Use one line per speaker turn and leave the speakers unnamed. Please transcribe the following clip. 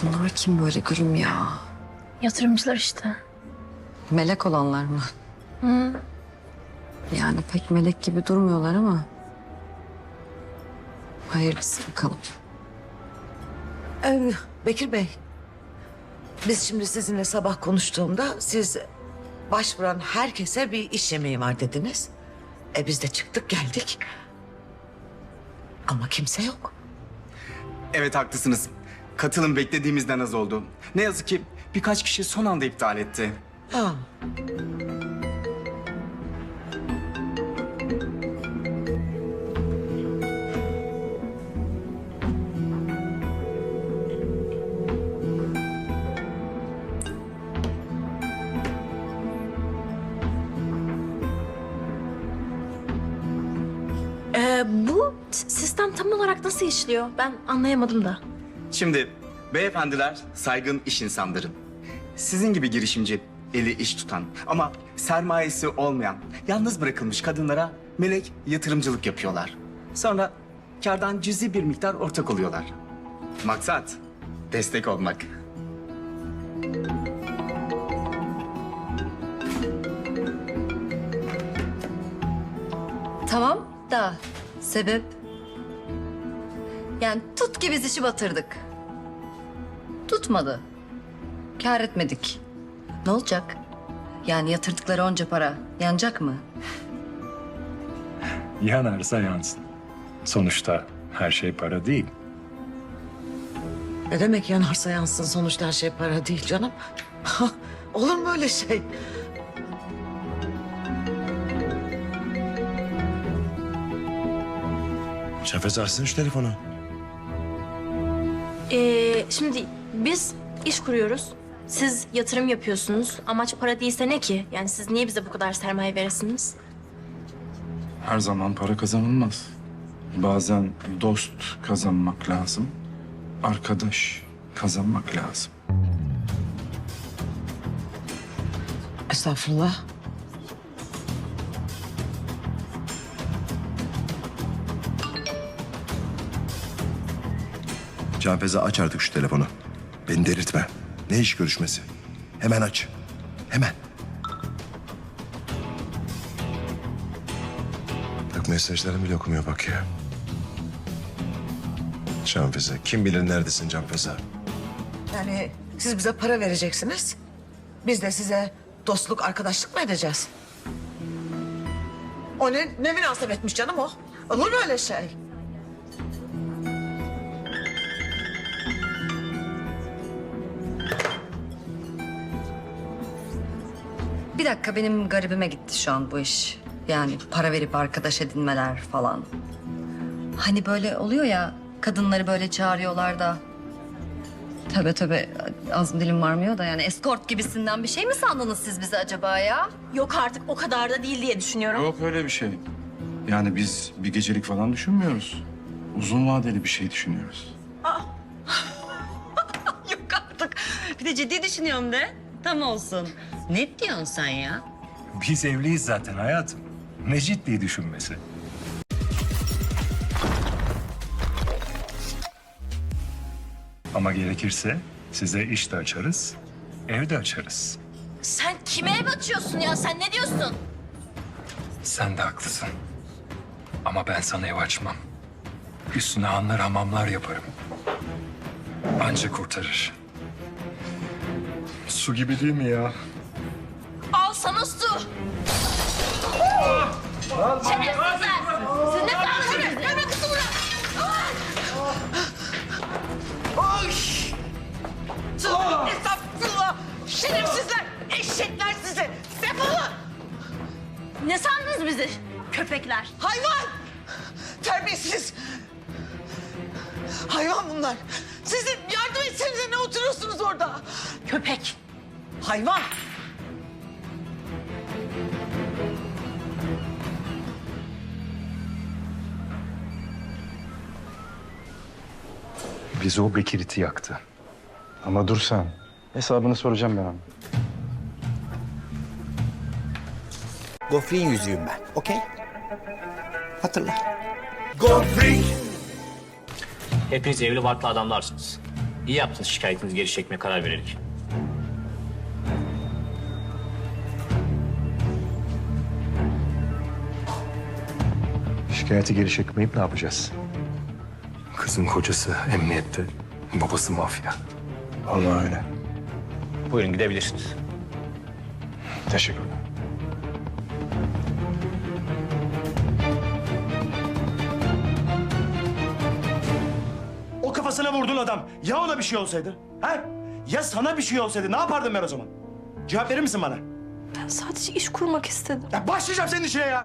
Bunlar kim böyle gülüm ya?
Yatırımcılar işte.
Melek olanlar mı?
Hı.
Yani pek melek gibi durmuyorlar ama. Hayırlısı bakalım.
Bekir Bey, biz şimdi sizinle sabah konuştuğumda siz başvuran herkese bir iş yemeği var dediniz. Biz de çıktık geldik. Ama kimse yok.
Evet haklısınız. Katılım beklediğimizden az oldu. Ne yazık ki birkaç kişi son anda iptal etti.
Ha.
Bu sistem tam olarak nasıl işliyor? Ben anlayamadım da.
Şimdi beyefendiler saygın iş insanları. Sizin gibi girişimci, eli iş tutan ama sermayesi olmayan, yalnız bırakılmış kadınlara melek yatırımcılık yapıyorlar. Sonra kârdan cüzi bir miktar ortak oluyorlar. Maksat destek olmak.
Tamam da sebep? Yani tut ki biz işi batırdık. Tutmadı. Kâr etmedik. Ne olacak? Yani yatırdıkları onca para yanacak mı?
Yanarsa yansın. Sonuçta her şey para değil.
Ne demek yanarsa yansın, sonuçta her şey para değil canım. Olur mu öyle şey?
Şafez açsın şu telefonu.
Şimdi biz iş kuruyoruz. Siz yatırım yapıyorsunuz. Amaç para değilse ne ki? Yani siz niye bize bu kadar sermaye veresiniz?
Her zaman para kazanılmaz. Bazen dost kazanmak lazım. Arkadaş kazanmak lazım.
Estağfurullah.
Canfeze aç artık şu telefonu. Beni delirtme. Ne iş görüşmesi? Hemen aç. Hemen. Bak mesajlarımı bile okumuyor bak ya. Canfeze. Kim bilir neredesin Canfeze?
Yani siz bize para vereceksiniz. Biz de size dostluk, arkadaşlık mı edeceğiz? O ne münasebetmiş canım o? Olur mu öyle şey?
Bir dakika benim garibime gitti şu an bu iş. Yani para verip arkadaş edinmeler falan. Hani böyle oluyor ya kadınları böyle çağırıyorlar da. Tövbe tövbe ağzım dilim varmıyor da yani eskort gibisinden bir şey mi sandınız siz bizi acaba ya?
Yok artık o kadar da değil diye düşünüyorum.
Yok öyle bir şey. Yani biz bir gecelik falan düşünmüyoruz. Uzun vadeli bir şey düşünüyoruz.
Yok artık. Bir de ciddi düşünüyorum de. Tam olsun. Ne diyorsun sen ya?
Biz evliyiz zaten hayatım. Ne ciddi düşünmesi. Ama gerekirse size iş de açarız, ev de açarız.
Sen kime ev açıyorsun ya? Sen ne diyorsun?
Sen de haklısın. Ama ben sana ev açmam. Üstüne hanlar hamamlar yaparım. Anca kurtarır. Su gibi değil mi ya?
Al sana su. Şerefsizler. Siz ne sandınız? Hemen kızı bırak.
Estağfurullah! Şerefsizler! Eşekler sizi! Defolun!
Ne sandınız bizi? Köpekler.
Hayvan! Terbiyesiz! Hayvan bunlar! Sizin yardım etsenize ne oturuyorsunuz orada?
Köpek.
Hayvan!
Bizi o Bekir'iti yaktı. Ama dur sen. Hesabını soracağım ben ona.
Gofret'in yüzüğüm ben, okey? Hatırla.
Godfrey!
Hepiniz evli barklı adamlarsınız.
İyi yaptınız şikayetinizi geri çekmeye karar vererek.
Şikayeti geri çekmeyip ne yapacağız?
Kızın kocası emniyette, babası mafya.
Vallahi öyle.
Buyurun gidebilirsiniz.
Teşekkürler.
O kafasına vurduğun adam ya ona bir şey olsaydı? Ha? Ya sana bir şey olsaydı ne yapardım ben o zaman? Cevap verir misin bana?
Ben sadece iş kurmak istedim.
Ya başlayacağım senin işine ya.